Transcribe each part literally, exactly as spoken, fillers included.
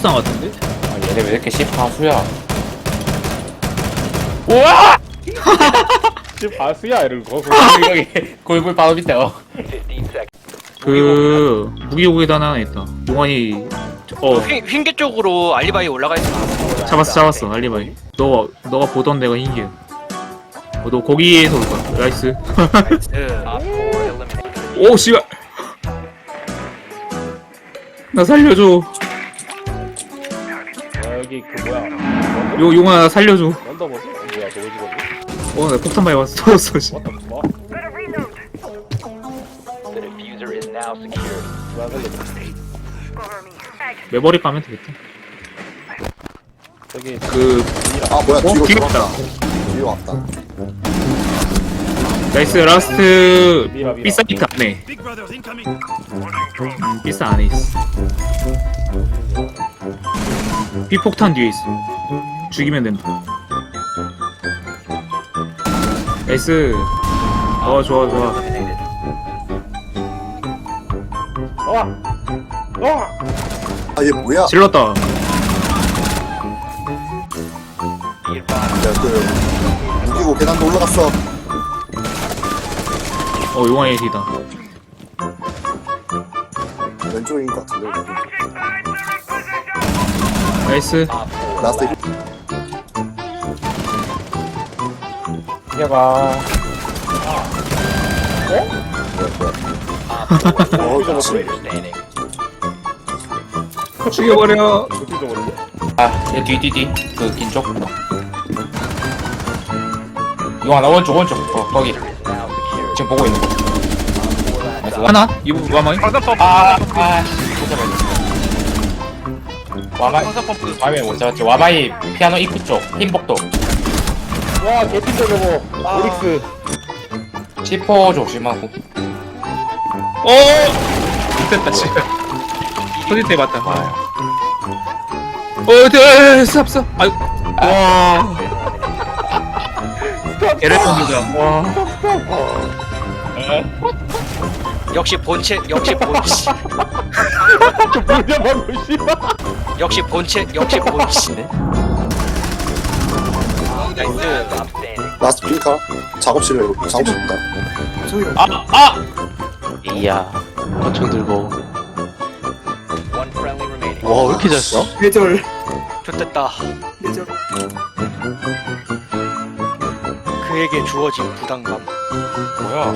폭탄 같은데? 아, 얘네 왜 이렇게 십하수야? 우와! 십하수야 이런 거. 여기 골골 바로 밑에. 어. 그 무기고기단 하나 있다. 용환이 어 휘, 흰개 쪽으로 알리바이 올라가 있어. 잡았어 잡았어 알리바이. 너가 너가 보던 데가 흰게. 어, 너 거기에서 올 거야. 나이스. 오 씨발. 나 살려줘. 여기 그 뭐야? 요 용환아 나 살려줘. 언더버스? 뭐야 저거 직원이? 어 나 폭탄 많이 왔어. 터졌어 씨. 왔다 뭐? 누가 살려줘? 매버릭 가면 되겠다. 저기 그 아 뭐야 어? 뒤로 뒤로 돌았다. 왔다. 뒤로 왔다. 나이스 라스트 미라, 미라. 삐사이트 안에. 음, 삐사 안에 있어. 삐폭탄 뒤에 있어. 죽이면 된다. 나이스. 어 좋아 좋아. 와! 와! 아 얘 뭐야? 질렀다. 야그 무기고 계단도 올라갔어. 어 용화의 뒤다. 왼쪽인 것 같은데. 나이스. 라스트 힐. 얘가 어 그렇지. 죽여버려. 어떻게 저거를? 아, 얘 뒤, 뒤, 뒤. 그, 긴 쪽. 이거 하나, 오른쪽, 오른쪽. 어, 거기. 지금 보고 있는 거. 나이스. 하나? 이거 와마이? 아, 아, 못 잡았네. 와마이, 와마이 못 잡았지. 와마이 피아노 입구 쪽, 흰복도. 와 개핀데 저거. 오릭스. 시포 조심하고. 어! 됐다 씨발. 터질 때 맞다. 아, 어, 돼, 스탑, 스탑. 아유, 와. 개를 던지자. 와. 역시 본체, 역시 본체, 뭐냐 방금 씨발. 역시 본체, 역시 본체. 나이스. 라스트 핑카. 작업실에 작업실 있다. 아, 아! 이야 권총 들고 와 왜 이렇게 잘 써? 뇌절 좋됐다. 뇌절 그에게 주어진 부담감. 뭐야?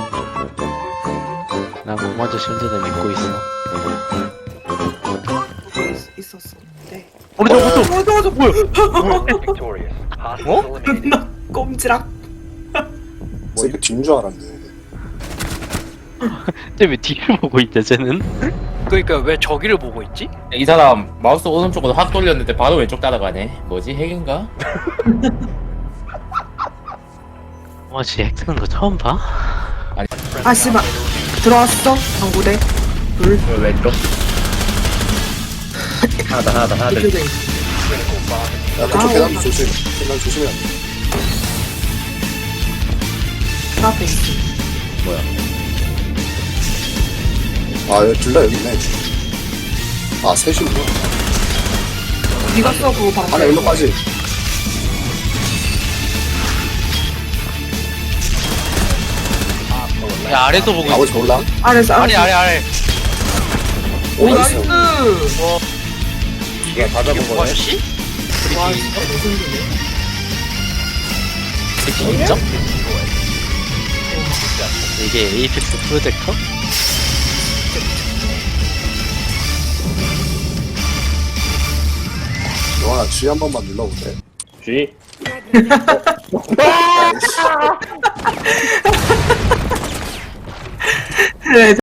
난 공마저 실드를 믿고 있어. 있었었는데 우리 저거 어 저거 저거 뭐야 어? 나 꼼지락 새끼 뒤인 줄 알았네. 쟤왜 뒤를 보고 있냐 쟤는? 그러니까 왜 저기를 보고 있지? 이 사람 마우스 오른쪽으로 확 돌렸는데 바로 왼쪽 따라가네. 뭐지? 핵인가? 와씨 핵 쓰는 거 처음 봐? 아 씨발 들어왔어 방구대 둘 왜 왼쪽? 하나다, 하나다, 하나다. 이쪽에 야 그쪽 아, 계단도 어. 조심. 계단 조심해야 돼. 앞에 있어 아둘 다 여기 있네. 아 셋이구나. 네가 써 그거 방구 하나 일로 빠지. 야 아래도 보고 있어. 나머지 몰라. 아래서 아래 아래 아래. 오 나이스 이게 다 잡은 거네. 뭐지? 와 진짜 레전드네 인정? 이게 에이펙스 프로젝터? 영환아 G 한 번만 눌러볼래? G. 아이씨. 레전드